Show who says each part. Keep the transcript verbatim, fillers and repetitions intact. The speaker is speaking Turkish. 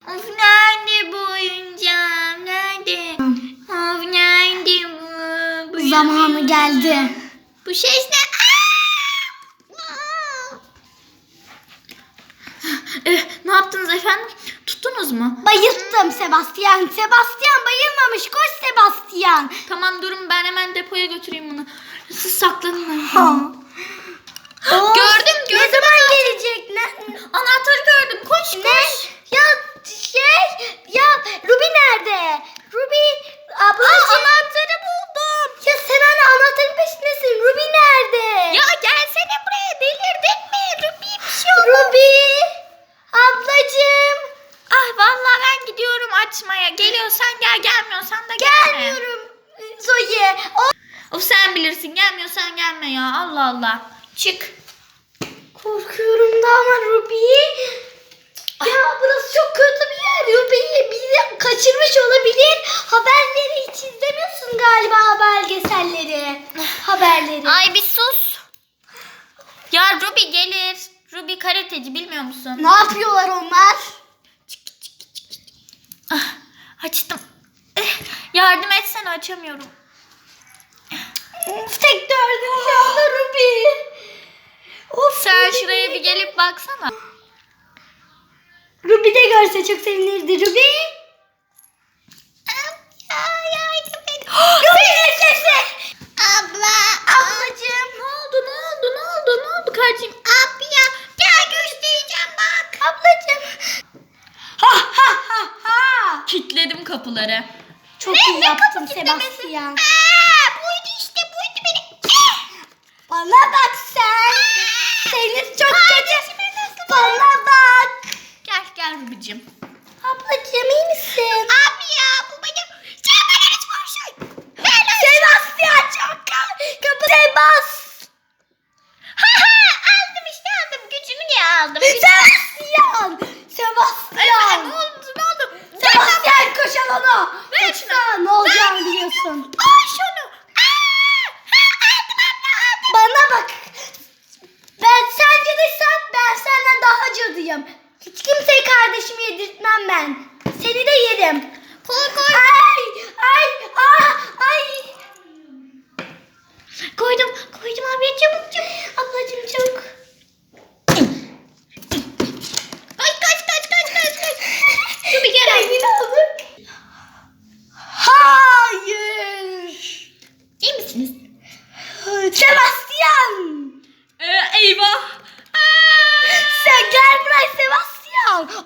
Speaker 1: Of nerede bu oyuncağım? Nerede? Of nerede bu? bu
Speaker 2: Zamanı geldi.
Speaker 1: Bu ses ne? Eh, ne yaptınız efendim? Tuttunuz mu?
Speaker 2: Bayılttım Sebastian. Sebastian bayılmamış. Koş Sebastian.
Speaker 1: Tamam durun ben hemen depoya götüreyim bunu. Siz saklanın.
Speaker 2: Ha. Of,
Speaker 1: Gördüm gördüm.
Speaker 2: Ne zaman gelecek? Ne?
Speaker 1: Anahtarı gördüm. Koş
Speaker 2: Ne?
Speaker 1: koş.
Speaker 2: Ya şey ya Ruby nerede? Ruby ablacığım.
Speaker 1: Aa, anahtarı buldum.
Speaker 2: Ya sen hala anahtarın peşindesin. Ruby nerede?
Speaker 1: Ya gelsene buraya, delirdin mi? Ruby bir şey oldu.
Speaker 2: Ruby ablacığım.
Speaker 1: Ah vallahi ben gidiyorum açmaya. Geliyorsan gel, gelmiyorsan da gelme.
Speaker 2: Gelmiyorum Zoe. O...
Speaker 1: Of sen bilirsin, gelmiyorsan gelme ya. Allah Allah. Çık.
Speaker 2: Korkuyorum da ama Ruby. Ya burası çok kötü bir yer. Ruby'yi bizi kaçırmış olabilir. Haberleri hiç izlemiyorsun galiba, belgeselleri. Haberleri.
Speaker 1: Ay bir sus. Ya Ruby gelir. Ruby karateci, bilmiyor musun?
Speaker 2: Ne yapıyorlar onlar?
Speaker 1: Ah, açtım. Eh, yardım etsene, açamıyorum.
Speaker 2: Of, tek dördüm şu anda Ruby. Of,
Speaker 1: Sen
Speaker 2: Ruby.
Speaker 1: şuraya bir gelip baksana.
Speaker 2: Ruby de görse çok sevinirdi Ruby.
Speaker 1: Ya yardım et.
Speaker 2: Ruby sesi.
Speaker 1: Abla.
Speaker 2: Ablacığım.
Speaker 1: Ne oldu ne oldu ne oldu ne oldu kardeşim? Abi ya gel göstereceğim bak.
Speaker 2: Ablacığım. Ha ha ha ha.
Speaker 1: Kilitledim kapıları.
Speaker 2: Çok
Speaker 1: Ne?
Speaker 2: iyi
Speaker 1: Ne
Speaker 2: yaptın
Speaker 1: kapı kilitlemesi?
Speaker 2: Sebastian.
Speaker 1: Aa, buydu işte buydu benim.
Speaker 2: Bana bak sen. Seni çok kötü. Bana bak.
Speaker 1: Gel gel Ruby'cim.
Speaker 2: Ablacığım iyi misin?
Speaker 1: Abi ya bu benim. Sen bana hiç konuşun.
Speaker 2: Sebastian çok kapı. Sebas.
Speaker 1: Ha ha aldım işte aldım. Gücünü niye aldım?
Speaker 2: Sebastian.
Speaker 1: Ay,
Speaker 2: Sebastian.
Speaker 1: ne oldu ne oldu?
Speaker 2: Sebastian koş alana.
Speaker 1: Ver
Speaker 2: Yoksa
Speaker 1: şunu.
Speaker 2: ne olacağını biliyorsun.
Speaker 1: Al şunu. Aa, ha, aldım abla aldım.
Speaker 2: Bana bak. Ben sen cadıysan ben senden daha cadıyım. Hiç kimseye kardeşimi yedirtmem ben. Seni de yerim.
Speaker 1: Koy koy.
Speaker 2: Ay ay ah, ay.
Speaker 1: Koydum koydum abi çabuk çabuk.
Speaker 2: Ablacığım çabuk.